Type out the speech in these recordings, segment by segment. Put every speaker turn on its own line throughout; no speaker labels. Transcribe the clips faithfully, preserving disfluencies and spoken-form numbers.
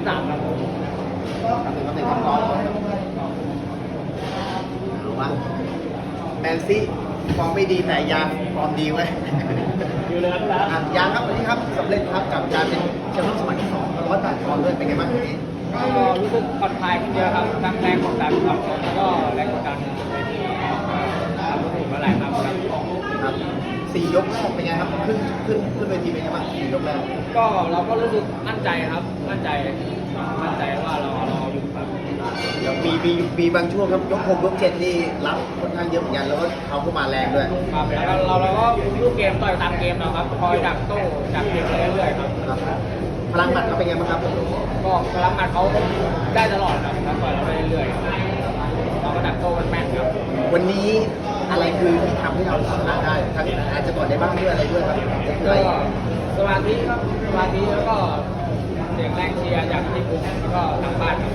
สามครับ
ทำหนึ่งทำหนึ่งทำร้อนรู้ว่าแมนซี่ฟอร์มไม่ดีแต่ยางฟอร์มดีเว้ย
อยู่เลยครับพี่รั
อ่ะยางครับวันนี้ครับสำเร็จครับกับการเป็นแชมป์โลกสมัยที่สองร้อยแปดปอนด์ด้วยเป็นไงบ้างวันนี้
ก็รู้สึกผ่อนคลายขึ้นเยอะครับทั้งแรงกดดันความชนแล้วก็แรงกดดันเวทีทำรู้สึกมาหลายครั้งครับ
ครับสี่ยกแรกเป็นไงครับขึ้นขึ้นขึ้นเวทีเป็นไงบ้างสี่ยกแรก
ก็เราก็รู้สึกมั่นใจครับ มั่นใจมั่นใจว่าเราเราอยู่ครับ
เดี๋ยวมีมีมีบางช่วงครับยกหกยกเจ็ดนี่รับค่อนข้างเยอะเหมือนกันแล้วก็เขาเข้ามาแรงด้วย
ครับแล้วเราเราก็ลูกเกมต่อยตามเกมเราครับคอยดักโต้ดักเกมไปเรื่อยๆครับ
ครับพลังหมัดเขาเป็นไงบ้างครับ
ก็พลังหมัดเขาได้ตลอดครับแล้วต่อยเราไปเรื่อยๆเราก็ดักโต้มันแม่นครับ
วันนี้อะไรคือที่ทำให้เราชนะได้ทั้งอาจจะก่อนในบ้างด้วยอะไรด้วยครับอะไร
ก็สมาธิครับสมาธิแล้วก็เสียงแรงเชียร์จากที่กลุ่มแล้วก็ทางบ้านครับ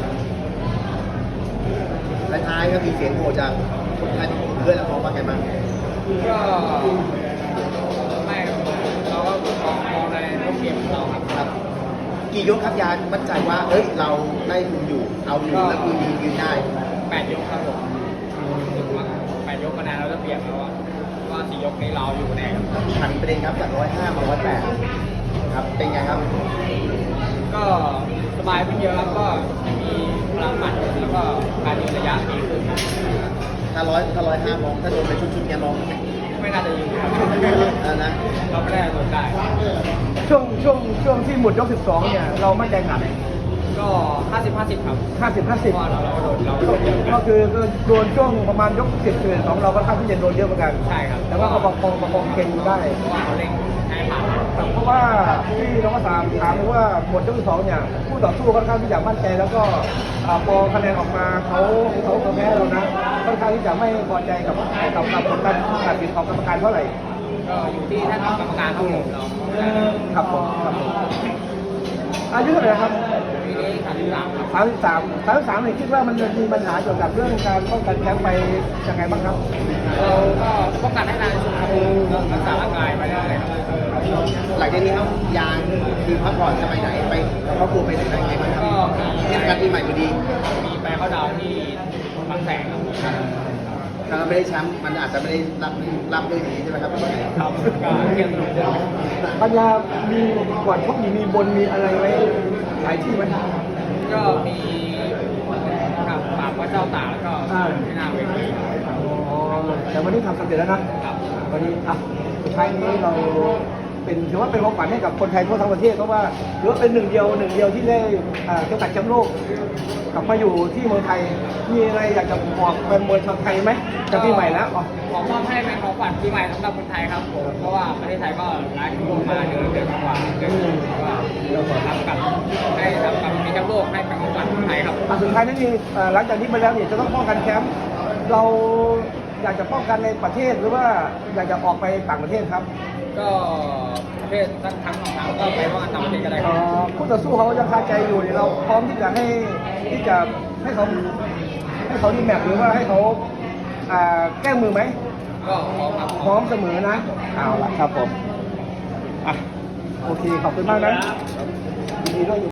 และท้ายก็มีเสียงโหจากคนไทยเพื่อนแล้วมองว่าไงบ้าง
ก็ไม่เราก็มองมองในรูปเกมของเราครับ
ครับ กี่ยกครับยานมั่นใจว่าเอ้ยเราได้คุมอยู่เอาอยู่แล้วคือยืนยืนได้
แปดยกครับผมรู้สึกว่าแปดยกคะแนนเราจะเปรียบแล้วว่าว่าสี่ยกนี้เราอยู่แน่ครับ
หันประเด็นครับจากร้อยห้ามาร้อยแปดครับเป็นไงครับ
ก็สบายขึ้นเยอะครับก็มีพลังหมัดแล้วก็การยืนระยะดีขึ้นครับ
ถ้าร้อยถ้าร้อยห้ามองถ้าโดนไปชุดๆเนี้ยมอง
ไม่น่าจะยืนครับ
แล้วนะ
เราไม่ได้โดนได้
ช่วงช่วงช่วงที่หมดยกสิบสองเนี่ยเรามั่นใจขนาดไหน
ก็ห้าสิบห้าสิบครับ
ห้าสิบห้า
เพ
สิบ
ราะว่าเราเราโดนเราโดนเยอะ
ก็คือก็โดนช่วงประมาณยกสิบสิบเอ็ดสองเราก็ค่อนข้างที่จะโดนเยอะเหมือนกัน
ใช่ครับ
แต่ว่าก็ประคองประคองเก่งอยู่ได้
เพราะว่าเขาเล่นให้ผ่าน
เพราะว่าที่เราก็ถามถามเลยว่าหมดยกที่สองเนี่ยผู้ต่อสู้ค่อนข้างที่จะมั่นใจแล้วก็อ่าพอคะแนนออกมาเขาเขาเขาแพ้เรานะค่อนข้างที่จะไม่พอใจกับกับกับผลการตัดสินของกรรมการเท่าไหร่
ก็อยู่ที่ท่านกรรมการครับผมเรา
ครับผมครับผมอายุเท่าไหร่ครับ
ปีนี้สามสิบสามครับ
สามสิบสามสามสิบสามเนี่ยคิดว่ามันจะมีปัญหาเกี่ยวกับเรื่องการป้องกันแชมป์ไปยังไงบ้างครับ
เราก็ป้องกันให้นานที่สุดครับรักษาร่างกายไปเรื่อยๆครับ
หลังจากนี้ครับยางคือพักผ่อนจะไปไหนไปครอบครัวไปไหนได้ไงบ้างครับ
ก็มี
เทศกาลปีใหม่พอดี
มีไปเข้าดาวน์ที่บางแสนครับ
ถ้าเราไม่ได้แชมป์มันอาจจะไม่ได้รับรับด้วยดีใช่ไหมครับ
ครับก็เกี่ยวกับเรื่อง
ปัญญามีก่อนชกมีมีบนมีอะไรไว้หลายที่ไหม
ก็มีกับปากว่าเจ้าตาแล้วก็ที่หน้าเวที
อ๋อแต่วันนี้ทำสำเร็จแล้วนะ
ครับ
วันนี้อ่ะสุดท้ายนี้เราเป็นถือว่าเป็นของขวัญให้กับคนไทยทั่วทั้งประเทศเพราะว่าถือว่าเป็นหนึ่งเดียวหนึ่งเดียวที่ได้อ่าเข็มขัดแชมป์โลกกลับมาอยู่ที่เมืองไทยมีอะไรอยากจะบอกแฟนมวยชาวไทยไหมจะปีใหม่แล้วอ๋อ
ขอมอบให้เป็นของขวัญปีใหม่สำหรับคนไทยครับผมเพราะว่าประเทศไทยก็ร้ายขึ้นมาเดือนเดือนกว่าเดือนว่าเราขอทำกับให้ทำกับมีแชมป์โลกให้เป็นของขวัญคนไทยครับ
อ่ะสุดท้ายนี่อ่าหลังจากนี้ไปแล้วเนี่ยจะต้องป้องกันแชมป์เราอยากจะป้องกันในประเทศหรือว่าอยากจะออกไปต่างประเทศครับ
ก็ประเภททั้งทั้งสองทางก็ไปว่าต่างประเทศก็ได้ค
เอ่
รับ
อคู่ต่อสู้เขายังคาใจอยู่เนี่ยเราพร้อมที่จะให้ที่จะให้เขาให้เขาดีแมปหรือว่าให้เขาอ่าแก้มือไหม
ก็ขอครับ
พร้อมเสมอนะเอาละครับผมอ่ะโอเคขอบคุณมากนะยินดีด้วย